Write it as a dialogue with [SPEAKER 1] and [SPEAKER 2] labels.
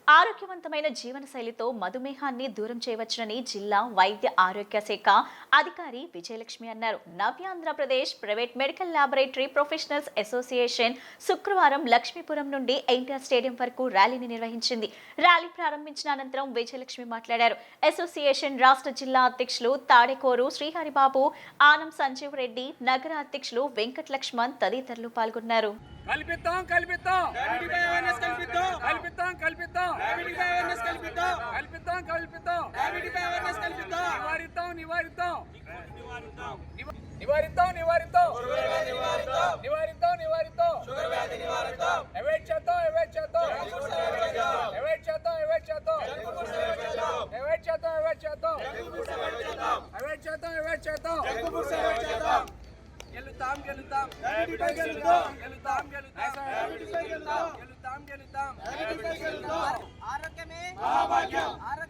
[SPEAKER 1] ఆరోగ్యవంతమైన జీవనశైలితో మధుమేహాన్ని దూరం చేయవచ్చునని జిల్లా వైద్య ఆరోగ్య శాఖ అధికారి విజయలక్ష్మి అన్నారు. Navyandhrapradesh private medical laboratory professionals association శుక్రవారం లక్ష్మీపురం నుండి ఎన్టీఆర్ స్టేడియం వరకు ర్యాలీని నిర్వహించింది. ర్యాలీ ప్రారంభించిన అనంతరం విజయలక్ష్మి మాట్లాడారు. అసోసియేషన్ రాష్ట్ర జిల్లా అధ్యక్షులు తాడేకోరు శ్రీహరిబాబు, ఆనం సంజీవ్ రెడ్డి, నగర అధ్యక్షులు వెంకట లక్ష్మణ్ తదితరులు పాల్గొన్నారు.
[SPEAKER 2] కల్పిద్దాం కల్పిద్దాం డయాబెటిక్ అవేర్నెస్ కల్పిద్దాం కల్పిద్దాం కల్పిద్దాం డయాబెటిక్ అవేర్నెస్ కల్పిద్దాం కల్పిద్దాం కల్పిద్దాం డయాబెటిక్ అవేర్నెస్ కల్పిద్దాం నివారిద్దాం నివారిద్దాం నివారిద్దాం నివారిద్దాం నివారిద్దాం నివారిద్దాం షుగర్ వ్యాధి నివారిద్దాం అవాయిడ్ చేద్దాం అవాయిడ్ చేద్దాం అవాయిడ్ చేద్దాం అవాయిడ్ చేద్దాం అవాయిడ్ చేద్దాం అవాయిడ్ చేద్దాం అవాయిడ్ చేద్దాం అవాయిడ్ చేద్దాం గెలుతాం గెలుతాం గెలుతాం గెలుతాం గెలుతాం గెలుతాం గెలుతాం ఆరోగ్యమే మహాభాగ్యం.